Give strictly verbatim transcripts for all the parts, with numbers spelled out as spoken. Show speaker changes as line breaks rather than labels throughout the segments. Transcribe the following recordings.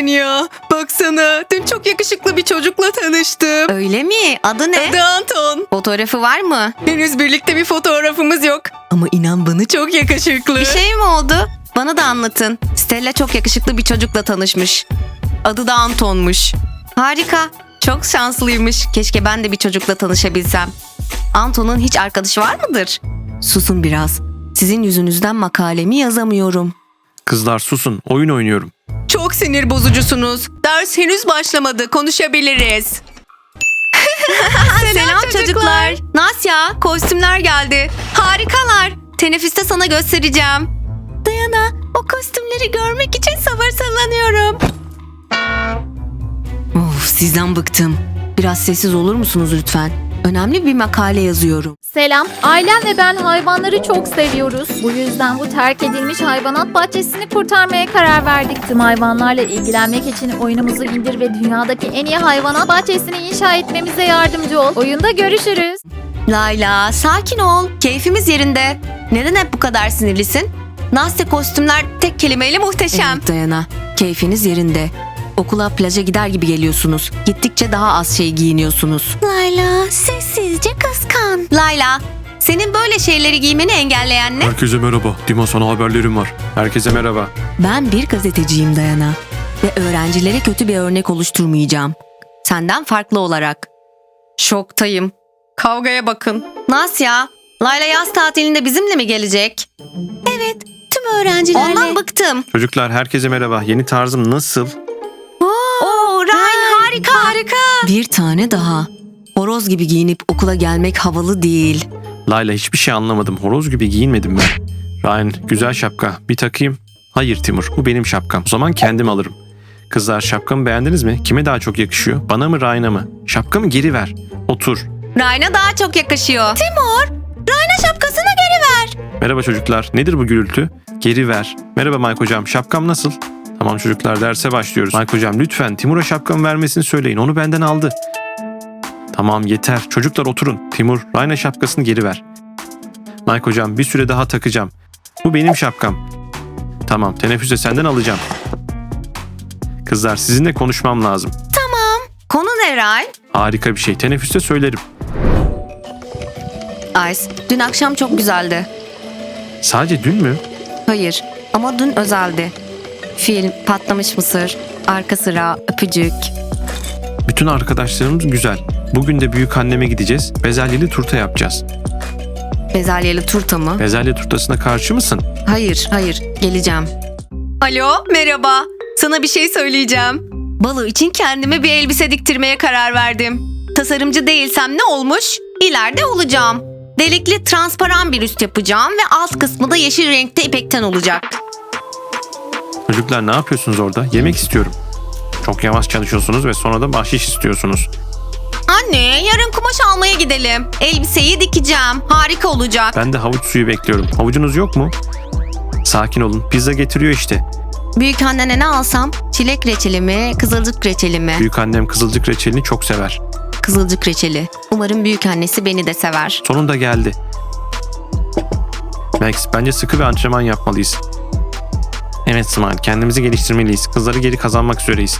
Aynen ya. Baksana, dün çok yakışıklı bir çocukla tanıştım.
Öyle mi? Adı ne?
Adı Anton.
Fotoğrafı var mı?
Henüz birlikte bir fotoğrafımız yok. Ama inan bana çok yakışıklı.
Bir şey mi oldu? Bana da anlatın. Stella çok yakışıklı bir çocukla tanışmış. Adı da Anton'muş. Harika. Çok şanslıymış. Keşke ben de bir çocukla tanışabilsem. Anton'un hiç arkadaşı var mıdır? Susun biraz. Sizin yüzünüzden makalemi yazamıyorum.
Kızlar susun, oyun oynuyorum.
Çok sinir bozucusunuz. Ders henüz başlamadı. Konuşabiliriz.
Selam çocuklar. Nasya, kostümler geldi. Harikalar. Teneffüste sana göstereceğim. Dayana, o kostümleri görmek için sabırsızlanıyorum. Of, sizden bıktım. Biraz sessiz olur musunuz lütfen? Önemli bir makale yazıyorum.
Selam. Ailem ve ben hayvanları çok seviyoruz. Bu yüzden bu terk edilmiş hayvanat bahçesini kurtarmaya karar verdik. Tüm hayvanlarla ilgilenmek için oyunumuzu indir ve dünyadaki en iyi hayvanat bahçesini inşa etmemize yardımcı ol. Oyunda görüşürüz.
Layla, sakin ol. Keyfimiz yerinde. Neden hep bu kadar sinirlisin? Nasya, kostümler tek kelimeyle muhteşem. Evet Dayana, keyfiniz yerinde. Okula, plaja gider gibi geliyorsunuz. Gittikçe daha az şey giyiniyorsunuz. Layla, sessizce kıskan. Layla, senin böyle şeyleri giymeni engelleyen ne?
Herkese merhaba. Dima, sana haberlerim var. Herkese merhaba.
Ben bir gazeteciyim Dayana. Ve öğrencilere kötü bir örnek oluşturmayacağım. Senden farklı olarak. Şoktayım. Kavgaya bakın. Nasya, Layla yaz tatilinde bizimle mi gelecek? Evet, tüm öğrencilerle. Ondan bıktım.
Çocuklar herkese merhaba. Yeni tarzım nasıl?
Oo, Ryan harika. Harika. Bir tane daha. Horoz gibi giyinip okula gelmek havalı değil.
Layla, hiçbir şey anlamadım. Horoz gibi giyinmedim ben. Ryan, güzel şapka. Bir takayım. Hayır Timur, bu benim şapkam. O zaman kendim alırım. Kızlar, şapkamı beğendiniz mi? Kime daha çok yakışıyor? Bana mı, Ryan'a mı? Şapkamı geri ver. Otur.
Ryan'a daha çok yakışıyor. Timur, Ryan'a şapkasını geri ver.
Merhaba çocuklar. Nedir bu gürültü? Geri ver. Merhaba Mike hocam. Şapkam nasıl? Tamam çocuklar, derse başlıyoruz. Mike hocam, lütfen Timur'a şapkamı vermesini söyleyin. Onu benden aldı. Tamam yeter. Çocuklar oturun. Timur, Ryan'a şapkasını geri ver. Mike hocam, bir süre daha takacağım. Bu benim şapkam. Tamam, teneffüste senden alacağım. Kızlar, sizinle konuşmam lazım.
Konu ne Ryan?
Harika bir şey. Teneffüste söylerim.
Ice, dün akşam çok güzeldi.
Sadece dün mü?
Hayır, ama dün özeldi. Film, patlamış mısır, arka sıra, öpücük.
Bütün arkadaşlarımız güzel. Bugün de büyük anneme gideceğiz. Bezelyeli turta yapacağız.
Bezelyeli turta mı?
Bezelye turtasına karşı mısın?
Hayır, hayır. Geleceğim. Alo, merhaba. Sana bir şey söyleyeceğim. Balo için kendime bir elbise diktirmeye karar verdim. Tasarımcı değilsem ne olmuş? İleride olacağım. Delikli transparan bir üst yapacağım ve alt kısmı da yeşil renkte ipekten olacak.
Çocuklar, ne yapıyorsunuz orada? Yemek istiyorum. Çok yavaş çalışıyorsunuz ve sonra da bahşiş istiyorsunuz.
Anne, yarın kumaş almaya gidelim. Elbiseyi dikeceğim. Harika olacak.
Ben de havuç suyu bekliyorum. Havucunuz yok mu? Sakin olun. Pizza getiriyor işte.
Büyük annene ne alsam? Çilek reçeli mi, kızılcık reçeli mi?
Büyük annem kızılcık reçelini çok sever.
Kızılcık reçeli. Umarım büyük annesi beni de sever.
Sonunda geldi. Max, bence sıkı bir antrenman yapmalıyız. Evet Smile, kendimizi geliştirmeliyiz. Kızları geri kazanmak üzereyiz.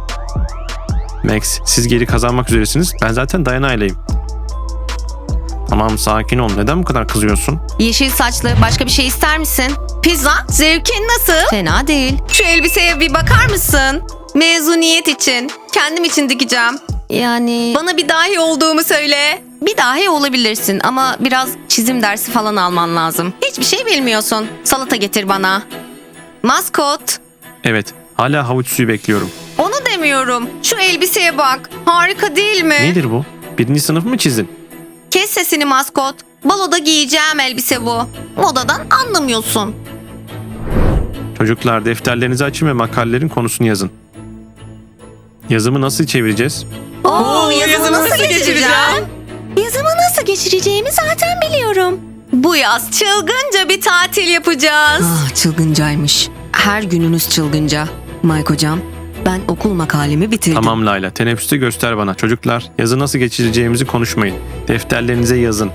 Max, siz geri kazanmak üzeresiniz. Ben zaten Dayana'yleyim. Tamam, sakin ol. Neden bu kadar kızıyorsun?
Yeşil saçlı, başka bir şey ister misin? Pizza, zevkin nasıl? Fena değil. Şu elbiseye bir bakar mısın? Mezuniyet için. Kendim için dikeceğim. Yani... Bana bir dahi olduğumu söyle. Bir dahi olabilirsin ama biraz çizim dersi falan alman lazım. Hiçbir şey bilmiyorsun. Salata getir bana. Maskot.
Evet, hala havuç suyu bekliyorum.
Onu demiyorum. Şu elbiseye bak. Harika değil mi?
Nedir bu? Birinci sınıf mı çizdin?
Kes sesini maskot. Baloda giyeceğim elbise bu. Modadan anlamıyorsun.
Çocuklar, defterlerinizi açın ve makalelerin konusunu yazın. Yazımı nasıl çevireceğiz?
Oo, yazımı
yazımı
nasıl
nasıl
geçireceğim?
geçireceğim?
Yazımı nasıl geçireceğimi zaten biliyorum. Bu yaz çılgınca bir tatil yapacağız. Ah, çılgıncaymış. Her gününüz çılgınca. Mike hocam, ben okul makalemi bitirdim.
Tamam Layla, teneffüste göster bana. Çocuklar, yazı nasıl geçireceğimizi konuşmayın. Defterlerinize yazın.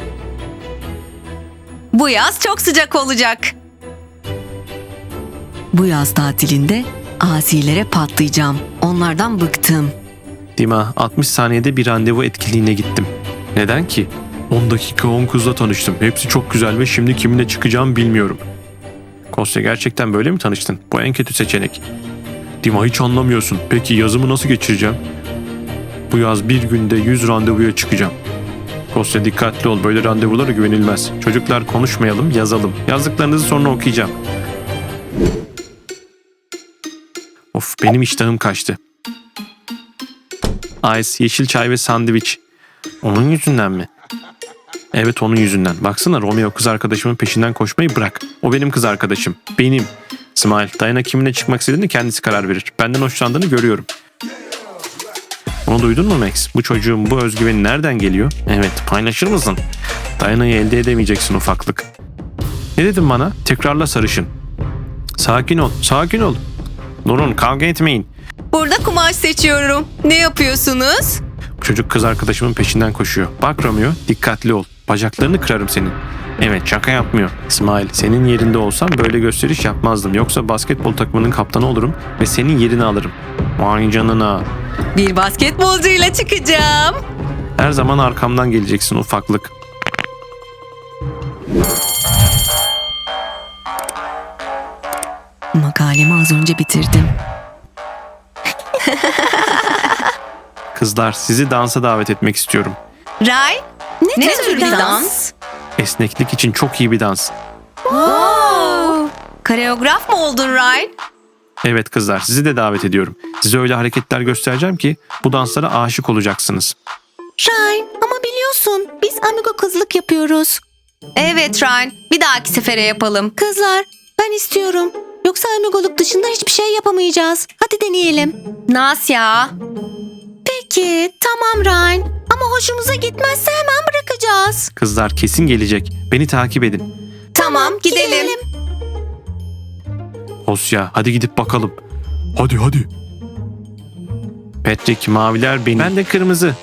Bu yaz çok sıcak olacak. Bu yaz tatilinde asilere patlayacağım. Onlardan bıktım.
Dima, altmış saniyede bir randevu etkinliğine gittim. Neden ki? on dakika on kızla tanıştım. Hepsi çok güzel ve şimdi kiminle çıkacağım bilmiyorum. Kostya, gerçekten böyle mi tanıştın? Bu en kötü seçenek. Dima, hiç anlamıyorsun. Peki yazımı nasıl geçireceğim? Bu yaz bir günde yüz randevuya çıkacağım. Kostya, dikkatli ol. Böyle randevulara güvenilmez. Çocuklar, konuşmayalım, yazalım. Yazdıklarınızı sonra okuyacağım. Of, benim iştahım kaçtı. Ice, yeşil çay ve sandviç. Onun yüzünden mi? Evet, onun yüzünden. Baksana, Romeo kız arkadaşımın peşinden koşmayı bırak. O benim kız arkadaşım. Benim. Smile, Diana kiminle çıkmak istediğini kendisi karar verir. Benden hoşlandığını görüyorum. Onu duydun mu Max? Bu çocuğun bu özgüveni nereden geliyor? Evet, paylaşır mısın? Diana'yı elde edemeyeceksin ufaklık. Ne dedin bana? Tekrarla sarışın. Sakin ol, sakin ol. Durun, kavga etmeyin.
Burada kumaş seçiyorum. Ne yapıyorsunuz?
Bu çocuk kız arkadaşımın peşinden koşuyor. Bak Romeo, dikkatli ol. Bacaklarını kırarım senin. Evet, şaka yapmıyor. Smile, senin yerinde olsam böyle gösteriş yapmazdım. Yoksa basketbol takımının kaptanı olurum ve senin yerini alırım. Vay canına.
Bir basketbolcuyla çıkacağım.
Her zaman arkamdan geleceksin ufaklık.
Makalemi az önce bitirdim.
Kızlar, sizi dansa davet etmek istiyorum.
Ray,
Ne,
ne tür bir dans?
Esneklik için çok iyi bir dans.
Koreograf mı oldun Ray?
Evet kızlar, sizi de davet ediyorum. Size öyle hareketler göstereceğim ki bu danslara aşık olacaksınız.
Ryan, ama biliyorsun biz amigo kızlık yapıyoruz.
Evet Ryan, bir dahaki sefere yapalım.
Kızlar, ben istiyorum. Yoksa amigoluk dışında hiçbir şey yapamayacağız. Hadi deneyelim.
Nasya.
Peki, tamam Ryan. Ama hoşumuza gitmezse hemen bırakacağız.
Kızlar kesin gelecek. Beni takip edin.
Tamam, gidelim.
Osya, hadi gidip bakalım. Hadi hadi. Patrick, maviler benim. Ben de kırmızı.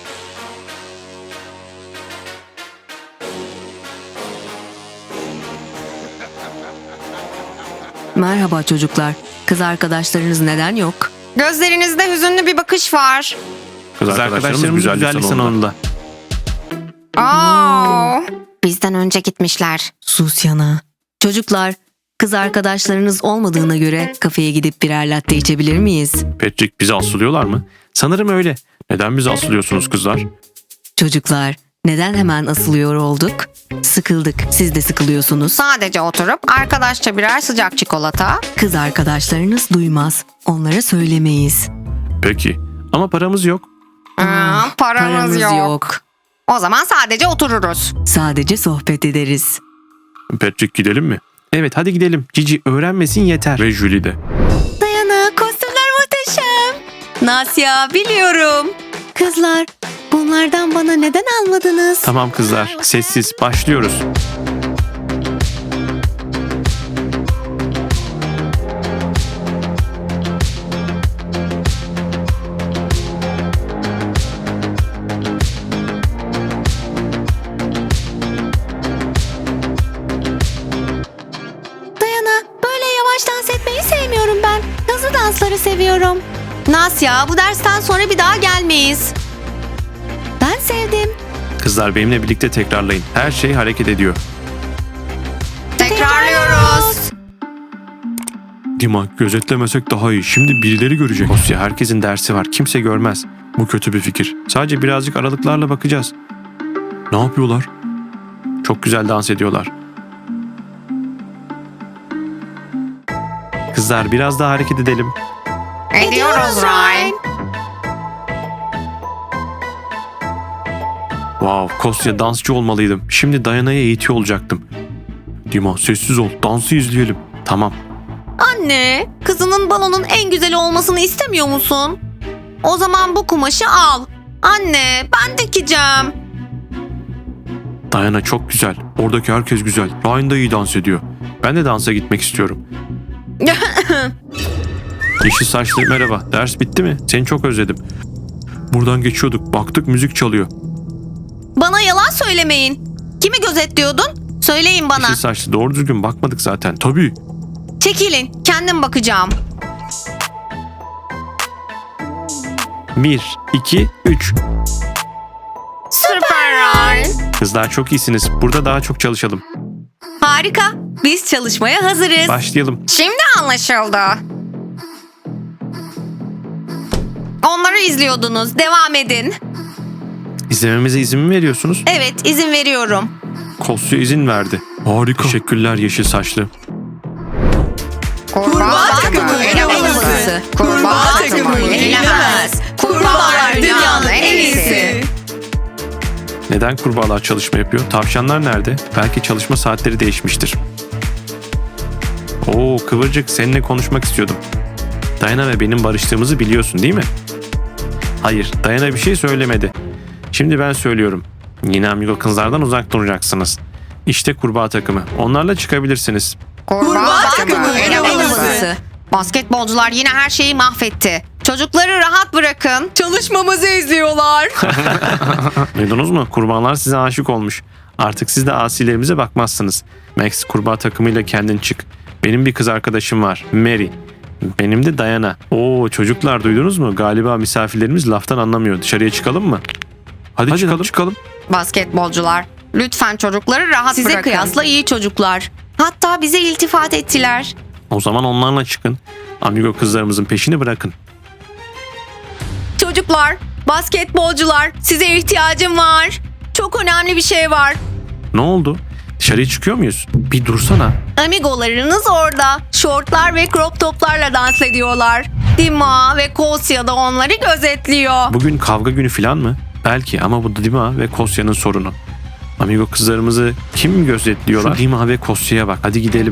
Merhaba çocuklar. Kız arkadaşlarınız neden yok?
Gözlerinizde hüzünlü bir bakış var.
Kız arkadaşlarımız güzellik salonunda.
Aa.
Bizden önce gitmişler. Sus yana. Çocuklar, kız arkadaşlarınız olmadığına göre kafeye gidip birer latte içebilir miyiz?
Patrick, bizi asılıyorlar mı? Sanırım öyle. Neden bizi asılıyorsunuz kızlar?
Çocuklar, neden hemen asılıyor olduk? Sıkıldık. Siz de sıkılıyorsunuz.
Sadece oturup arkadaşça birer sıcak çikolata.
Kız arkadaşlarınız duymaz. Onlara söylemeyiz.
Peki. Ama paramız yok.
Aa, paramız, yok. O zaman sadece otururuz.
Sadece sohbet ederiz.
Patrick, gidelim mi? Evet, hadi gidelim. Cici öğrenmesin yeter. Ve Julie de.
Dayana, kostümler muhteşem.
Nasya, biliyorum.
Kızlar, bunlardan bana neden almadınız?
Tamam kızlar, sessiz. Başlıyoruz.
Dayana, böyle yavaş dans etmeyi sevmiyorum ben. Hızlı dansları seviyorum.
Nasya, bu dersten sonra bir daha gelmeyiz.
Ben sevdim.
Kızlar, benimle birlikte tekrarlayın. Her şey hareket ediyor.
Tekrarlıyoruz.
Dima, gözetlemesek daha iyi. Şimdi birileri görecek. Osya, herkesin dersi var. Kimse görmez. Bu kötü bir fikir. Sadece birazcık aralıklarla bakacağız. Ne yapıyorlar? Çok güzel dans ediyorlar. Kızlar, biraz daha hareket edelim.
Ediyoruz Ryan.
Wow, Kostya, dansçı olmalıydım. Şimdi Diana'ya eğitiyor olacaktım. Dima, sessiz ol. Dansı izleyelim. Tamam.
Anne, kızının balonun en güzeli olmasını istemiyor musun? O zaman bu kumaşı al. Anne, ben dikeceğim.
Diana çok güzel. Oradaki herkes güzel. Ryan da iyi dans ediyor. Ben de dansa gitmek istiyorum. Yeşil saçlı, merhaba. Ders bitti mi? Seni çok özledim. Buradan geçiyorduk. Baktık müzik çalıyor.
Bana yalan söylemeyin. Kimi gözetliyordun? Söyleyin bana.
Yeşil saçlı, doğru düzgün bakmadık zaten. Tabii.
Çekilin, kendim bakacağım.
Bir, iki, üç.
Süper Ryan.
Kızlar çok iyisiniz. Burada daha çok çalışalım.
Harika. Biz çalışmaya hazırız.
Başlayalım.
Şimdi anlaşıldı. Onları izliyordunuz. Devam edin.
İzlememize izin mi veriyorsunuz?
Evet, izin veriyorum.
Kosya izin verdi. Harika. Teşekkürler yeşil saçlı.
Kurbağa takımı elemanısı. Kurbağa takımı yenilemez. Kurbağalar dünyanın en iyisi.
Neden kurbağalar çalışma yapıyor? Tavşanlar nerede? Belki çalışma saatleri değişmiştir. Oo Kıvırcık, seninle konuşmak istiyordum. Dayana ve benim barıştığımızı biliyorsun değil mi? Hayır, Dayana bir şey söylemedi. Şimdi ben söylüyorum. Yine amigo kızlardan uzak duracaksınız. İşte kurbağa takımı. Onlarla çıkabilirsiniz.
Kurbağa takımı elemanısı. Basketbolcular yine her şeyi mahvetti. Çocukları rahat bırakın. Çalışmamızı izliyorlar.
Duydunuz mu? Kurbağalar size aşık olmuş. Artık siz de asilerimize bakmazsınız. Max, kurbağa takımıyla kendin çık. Benim bir kız arkadaşım var. Mary. Benim de Dayana. Oo çocuklar, duydunuz mu? Galiba misafirlerimiz laftan anlamıyor. Dışarıya çıkalım mı? Hadi, Hadi çıkalım. çıkalım.
Basketbolcular, lütfen çocukları rahat
Size
bırakın.
kıyasla
iyi çocuklar. Hatta bize iltifat ettiler.
O zaman onlarla çıkın. Amigo kızlarımızın peşini bırakın.
Çocuklar, basketbolcular, size ihtiyacım var. Çok önemli bir şey var.
Ne oldu? Dışarıya çıkıyor muyuz? Bir dursana.
Amigolarınız orada. Şortlar ve crop toplarla dans ediyorlar. Dima ve Kosya da onları gözetliyor.
Bugün kavga günü falan mı? Belki, ama bu Dima ve Kosya'nın sorunu. Amigo kızlarımızı kim gözetliyorlar? Şu Dima ve Kosya'ya bak. Hadi gidelim.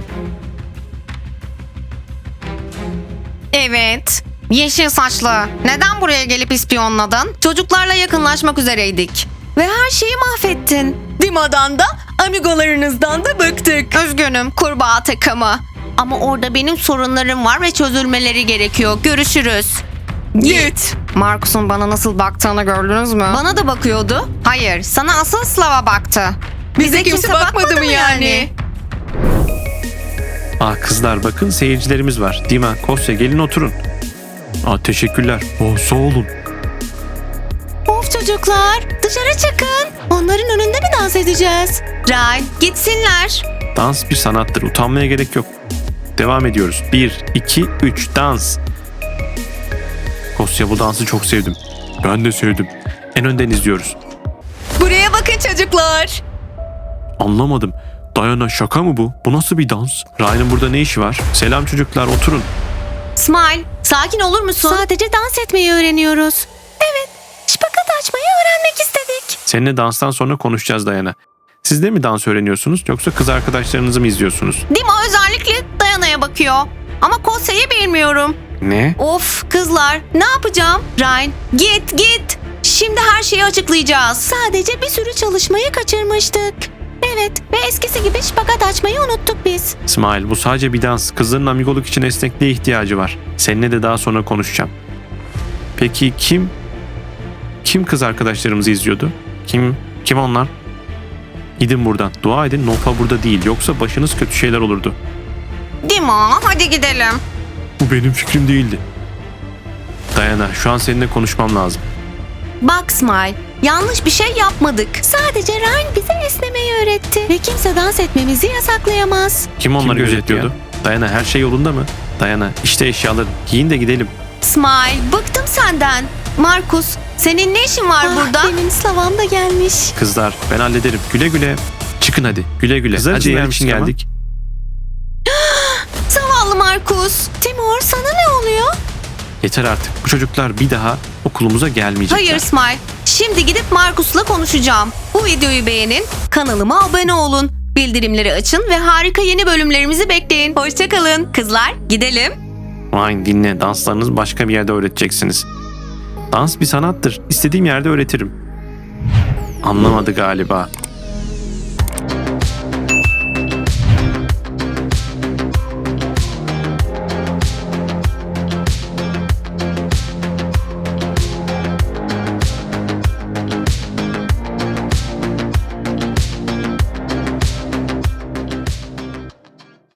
Evet. Yeşil saçlı. Neden buraya gelip ispiyonladın? Çocuklarla yakınlaşmak üzereydik. Ve her şeyi mahvettin. Dima'dan da amigolarınızdan da bıktık. Üzgünüm kurbağa takımı. Ama orada benim sorunlarım var ve çözülmeleri gerekiyor. Görüşürüz. Git. Markus'un bana nasıl baktığını gördünüz mü? Bana da bakıyordu. Hayır, sana asıl Slava baktı. Bize, kimse, bakmadı, mı yani?
Aa kızlar, bakın seyircilerimiz var. Dima, Kosya, gelin oturun. Aa teşekkürler. Oo, sağ olun.
Of çocuklar, dışarı çıkın. Onların önünde mi dans edeceğiz? Ryan, gitsinler.
Dans bir sanattır. Utanmaya gerek yok. Devam ediyoruz. Bir, iki, üç, dans. Kosya, bu dansı çok sevdim. Ben de sevdim. En önden izliyoruz.
Buraya bakın çocuklar.
Anlamadım. Dayana, şaka mı bu? Bu nasıl bir dans? Ryan'ın burada ne işi var? Selam çocuklar, oturun.
Smile, sakin olur musun? Sadece dans etmeyi öğreniyoruz. Evet, şpakat açmayı öğrenmek istedik.
Seninle danstan sonra konuşacağız Dayana. Siz de mi dans öğreniyorsunuz yoksa kız arkadaşlarınızı mı izliyorsunuz?
Dima özellikle Dayana'ya bakıyor. Ama Kosya'yı bilmiyorum.
Ne?
Of kızlar, ne yapacağım? Ryan, git git. Şimdi her şeyi açıklayacağız. Sadece bir sürü çalışmayı kaçırmıştık. Evet ve eskisi gibi şpagat açmayı unuttuk biz.
İsmail, bu sadece bir dans. Kızların amigoluk için esnekliğe ihtiyacı var. Seninle de daha sonra konuşacağım. Peki kim? Kim kız arkadaşlarımızı izliyordu? Kim? Kim onlar? Gidin buradan. Dua edin Nofa burada değil. Yoksa başınız kötü şeyler olurdu.
Dima, hadi gidelim.
Bu benim fikrim değildi. Dayana, şu an seninle konuşmam lazım.
Bak Smile, yanlış bir şey yapmadık. Sadece Ryan bize esnemeyi öğretti. Ve kimse dans etmemizi yasaklayamaz.
Kim onları Kim gözetliyordu? Dayana, her şey yolunda mı? Dayana, işte eşyaların. Giyin de gidelim.
Smile, bıktım senden. Markus, senin ne işin var burada? Benim Slavam da gelmiş.
Kızlar, ben hallederim. Güle güle. Çıkın hadi. Güle güle. Kızlar için
gelmiştik ama.
geldik.
Zavallı Markus. Timur, sana ne oluyor?
Yeter artık. Bu çocuklar bir daha okulumuza gelmeyecekler.
Hayır Smile. Şimdi gidip Markus'la konuşacağım. Bu videoyu beğenin, kanalıma abone olun. Bildirimleri açın ve harika yeni bölümlerimizi bekleyin. Hoşçakalın. Kızlar, gidelim.
Vay, dinle. Danslarınızı başka bir yerde öğreteceksiniz. Dans bir sanattır. İstediğim yerde öğretirim. Anlamadı galiba.